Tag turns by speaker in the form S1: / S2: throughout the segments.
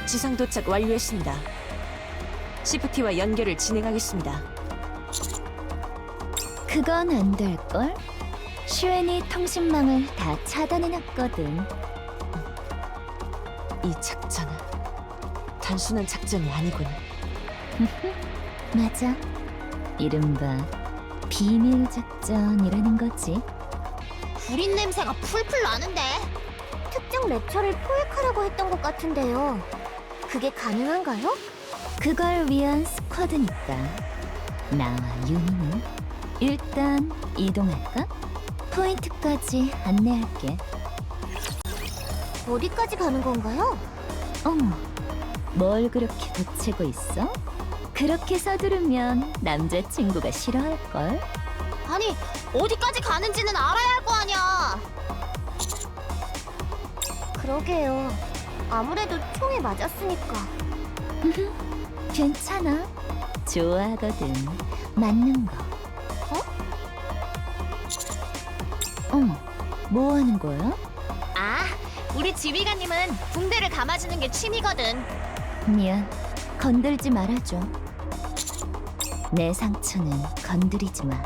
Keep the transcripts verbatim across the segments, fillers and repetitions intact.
S1: 지상 도착 완료했습니다. 시프티와 연결을 진행하겠습니다.
S2: 그건 안 될걸? 슈엔이 통신망을 다 차단해놨거든.
S1: 이 작전은 단순한 작전이 아니군.
S2: 맞아. 이른바 비밀 작전이라는 거지.
S3: 구린 냄새가 풀풀 나는데.
S4: 특정 랩처를 포획하라고 했던 것 같은데요. 그게 가능한가요?
S2: 그걸 위한 스쿼드니까. 나와 유니는 일단 이동할까? 포인트까지 안내할게.
S4: 어디까지 가는 건가요?
S2: 어머, 뭘 그렇게 보채고 있어? 그렇게 서두르면 남자친구가 싫어할걸?
S3: 아니, 어디까지 가는지는 알아야 할 거 아니야.
S4: 그러게요. 아무래도 총에 맞았으니까.
S2: 괜찮아. 좋아하거든. 맞는 거.
S4: 어?
S2: 어머, 뭐 하는 거야?
S3: 아, 우리 지휘관님은 붕대를 감아주는 게 취미거든.
S2: 미안, 건들지 말아줘. 내 상처는 건드리지 마.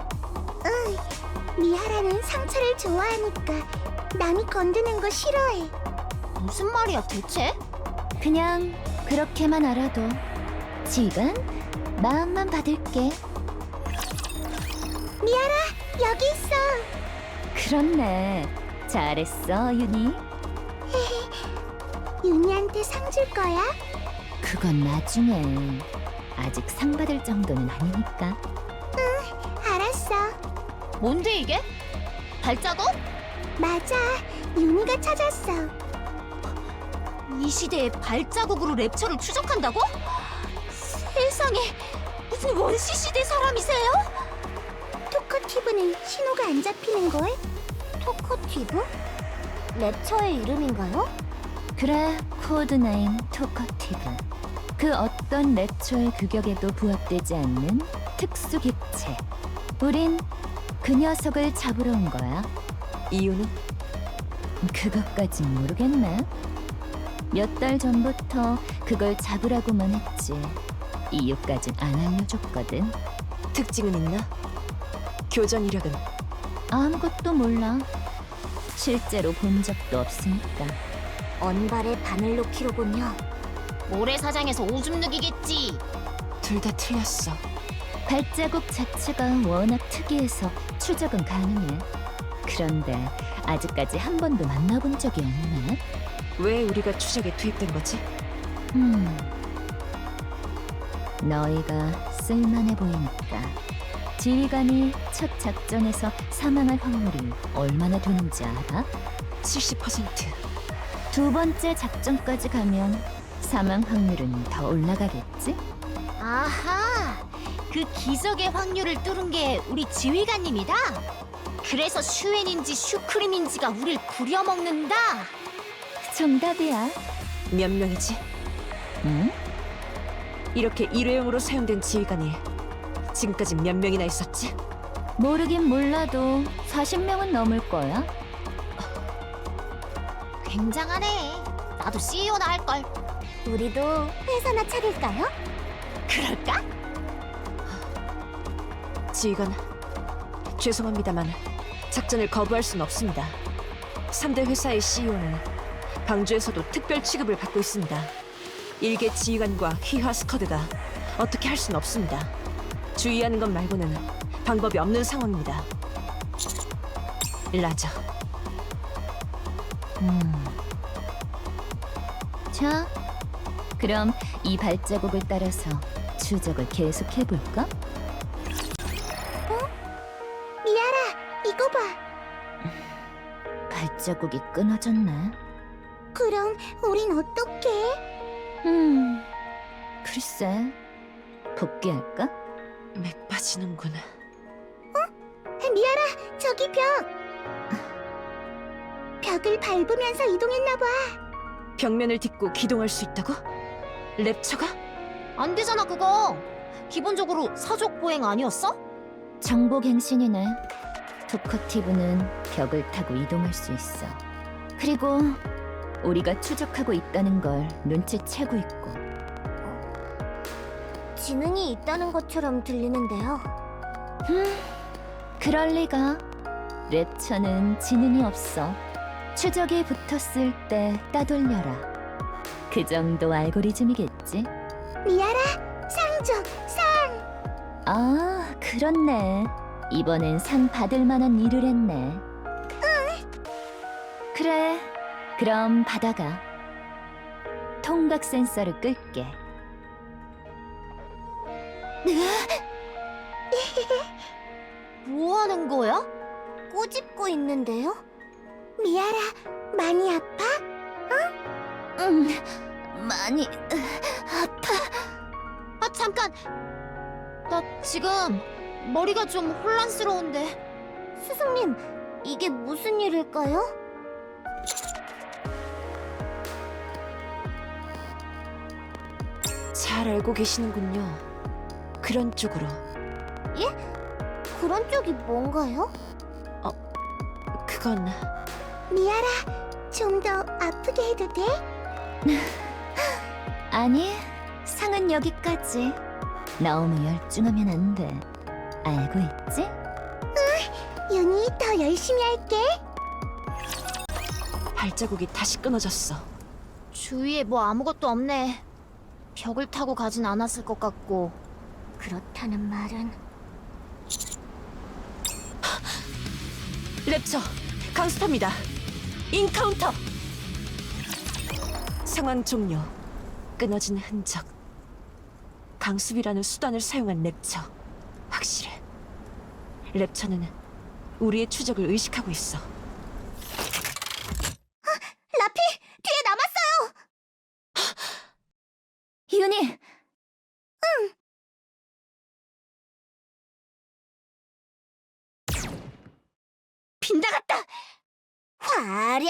S4: 미하라는 상처를 좋아하니까 남이 건드는 거 싫어해.
S3: 무슨 말이야 대체?
S2: 그냥 그렇게만 알아도. 지금 마음만 받을게.
S4: 여기 있어.
S2: 그렇네. 잘했어, 유니.
S4: 윤희한테 상 줄 거야?
S2: 그건 나중에. 아직 상 받을 정도는 아니니까.
S4: 알았어.
S3: 뭔데 이게? 발자국?
S4: 맞아. 윤희가 찾았어.
S3: 이 시대에 발자국으로 랩처를 추적한다고? 세상에, 무슨 원시 시대 사람이세요?
S4: 토커티브는 신호가 안 잡히는 걸? 토커티브? 랩처의 이름인가요?
S2: 그래, 코드네임 토커티브. 그 어떤 랩처의 규격에도 부합되지 않는 특수 객체. 우린 그 녀석을 잡으러 온 거야.
S1: 이유는?
S2: 그것까진 모르겠네. 몇 달 전부터 그걸 잡으라고만 했지. 이유까진 안 알려줬거든.
S1: 특징은 있나? 교전 이력은?
S2: 아무것도 몰라. 실제로 본 적도 없으니까.
S4: 언발의 바늘로 키로군요.
S3: 모래사장에서 오줌 누기겠지.
S1: 둘 다 틀렸어.
S2: 발자국 자체가 워낙 특이해서 추적은 가능해. 그런데 아직까지 한 번도 만나본 적이 없네.
S1: 왜 우리가 추적에 투입된 거지?
S2: 음, 너희가 쓸만해 보이니까. 지휘관이 첫 작전에서 사망할 확률이 얼마나 되는지 알아?
S1: 칠십 퍼센트.
S2: 두 번째 작전까지 가면 사망 확률은 더 올라가겠지?
S3: 아하, 그 기적의 확률을 뚫은 게 우리 지휘관님이다. 그래서 슈엔인지 슈크림인지가 우릴 부려먹는다.
S2: 정답이야.
S1: 몇 명이지?
S2: 응?
S1: 이렇게 일회용으로 사용된 지휘관이 지금까지 몇 명이나 있었지?
S2: 모르긴 몰라도 사십 명은 넘을 거야.
S3: 굉장하네. 나도 씨이오나 할걸.
S4: 우리도 회사나 차릴까요?
S3: 그럴까?
S1: 지휘관, 죄송합니다만 작전을 거부할 순 없습니다. 삼 대 회사의 씨이오는 방주에서도 특별 취급을 받고 있습니다. 일개 지휘관과 휘하 스쿼드가 어떻게 할 순 없습니다. 주의하는 것 말고는 방법이 없는 상황입니다. 라저.
S2: 음. 자, 그럼 이 발자국을 따라서 추적을 계속해볼까?
S4: 미아라, 이거 봐.
S2: 발자국이 끊어졌네.
S4: 그럼 우린 어떡해?
S2: 음, 글쎄, 복귀할까?
S1: 맥 빠지는구나.
S4: 미아라, 저기 벽. 벽을 밟으면서 이동했나 봐.
S1: 벽면을 딛고 기동할 수 있다고? 랩처가?
S3: 안 되잖아 그거. 기본적으로 사족 보행 아니었어?
S2: 정보갱신이네. 토커티브는 벽을 타고 이동할 수 있어. 그리고 우리가 추적하고 있다는 걸 눈치채고 있고.
S4: 지능이 있다는 것처럼 들리는데요.
S2: 그럴 리가. 랩처는 지능이 없어. 추적이 붙었을 때 따돌려라. 그 정도 알고리즘이겠지.
S4: 미아라, 상 줘, 상!
S2: 아, 그렇네. 이번엔 상 받을 만한 일을 했네. 그래, 그럼 받아가. 통각 센서를 끌게.
S4: 뭐 하는 거야? 꼬집고 있는데요? 미아라, 많이 아파?
S2: 음, 많이 아파.
S3: 아, 잠깐! 나 지금 머리가 좀 혼란스러운데.
S4: 스승님, 이게 무슨 일일까요?
S1: 잘 알고 계시는군요. 그런 쪽으로.
S4: 그런 쪽이 뭔가요?
S1: 그건
S4: 미아라, 좀 더 아프게 해도 돼?
S2: 아니, 상은 여기까지. 너무 열중하면 안 돼. 알고 있지?
S4: 윤희, 더 열심히 할게.
S1: 발자국이 다시 끊어졌어.
S3: 주위에 뭐 아무것도 없네. 벽을 타고 가진 않았을 것 같고.
S4: 그렇다는 말은
S1: 랩처, 강스터입니다. 인카운터. 상황 종료. 끊어진 흔적. 강습이라는 수단을 사용한 랩처. 확실해. 랩처는 우리의 추적을 의식하고 있어.
S4: 라피, 뒤에 남았어요.
S2: 윤희!
S3: 빗나갔다!
S4: 화력!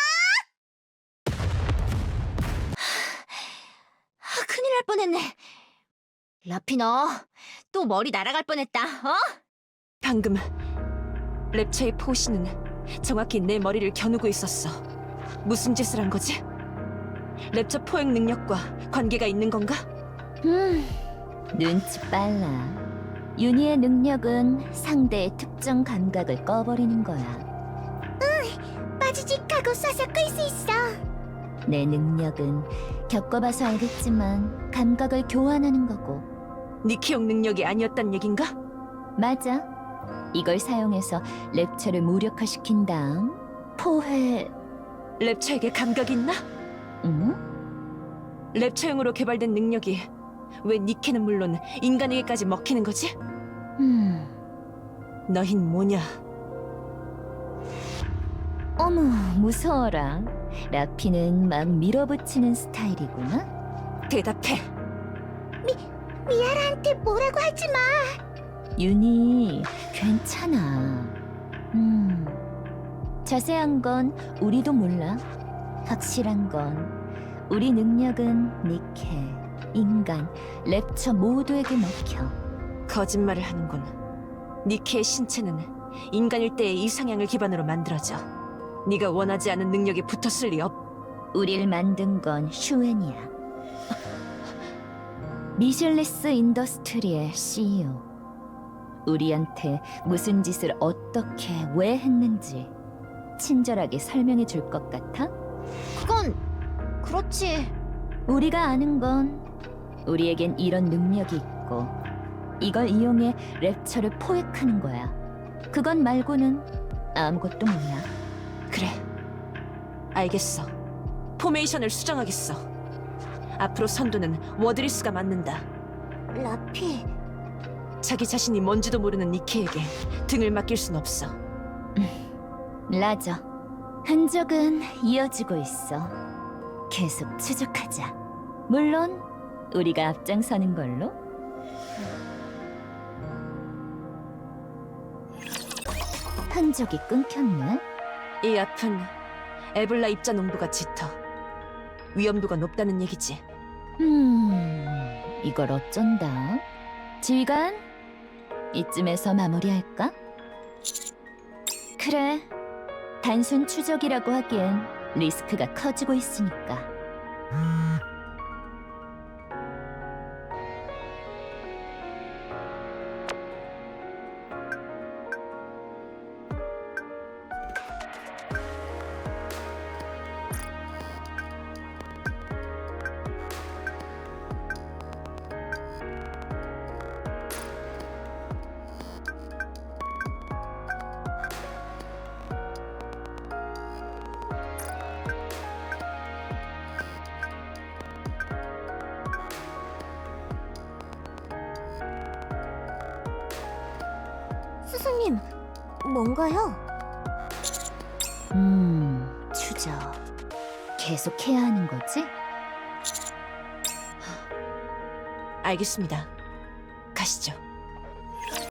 S3: 아, 큰일 날 뻔했네. 라피 너, 또 머리 날아갈 뻔했다, 어?
S1: 방금 랩처의 포시는 정확히 내 머리를 겨누고 있었어. 무슨 짓을 한 거지? 랩처 포획 능력과 관계가 있는 건가?
S2: 음, 눈치 빨라. 윤희의 능력은 상대의 특정 감각을 꺼버리는 거야.
S4: 빠지직하고 쏴서 끌 수 있어.
S2: 내 능력은 겪어봐서 알겠지만 감각을 교환하는 거고.
S1: 니키용 능력이 아니었단 얘긴가?
S2: 맞아. 이걸 사용해서 랩처를 무력화시킨 다음 포회...
S1: 랩처에게 감각이 있나?
S2: 응?
S1: 랩처용으로 개발된 능력이 왜 니키는 물론 인간에게까지 먹히는 거지?
S2: 음...
S1: 너흰 뭐냐?
S2: 어머, 무서워라. 라피는 막 밀어붙이는 스타일이구나.
S1: 대답해.
S4: 미아라한테 뭐라고 하지 마.
S2: 윤희, 괜찮아. 음... 자세한 건 우리도 몰라. 확실한 건 우리 능력은 니케, 인간, 랩처 모두에게 먹혀.
S1: 거짓말을 하는군. 니키의 신체는 인간일 때의 이상향을 기반으로 만들어져. 네가 원하지 않은 능력이 붙었을 리 없.
S2: 우릴 만든 건 슈엔이야. 미실리스 인더스트리의 씨이오. 우리한테 무슨 짓을 어떻게 왜 했는지 친절하게 설명해 줄 것 같아?
S3: 그건 그렇지.
S2: 우리가 아는 건 우리에겐 이런 능력이 있고 이걸 이용해 랩처를 포획하는 거야. 그건 말고는 아무것도 몰라.
S1: 그래. 알겠어. 포메이션을 수정하겠어. 앞으로 선두는 워드리스가 맡는다.
S4: 라피,
S1: 자기 자신이 뭔지도 모르는 니키에게 등을 맡길 순 없어.
S2: 라저, 흔적은 이어지고 있어. 계속 추적하자. 물론 우리가 앞장서는 걸로. 흔적이 끊겼네.
S1: 이 앞은 에블라 입자 농도가 짙어. 위험도가 높다는 얘기지.
S2: 음, 이걸 어쩐다. 지휘관, 이쯤에서 마무리할까? 그래, 단순 추적이라고 하기엔 리스크가 커지고 있으니까.
S4: 스승님, 뭔가요?
S2: 음, 추적. 계속 해야 하는 거지?
S1: 알겠습니다. 가시죠.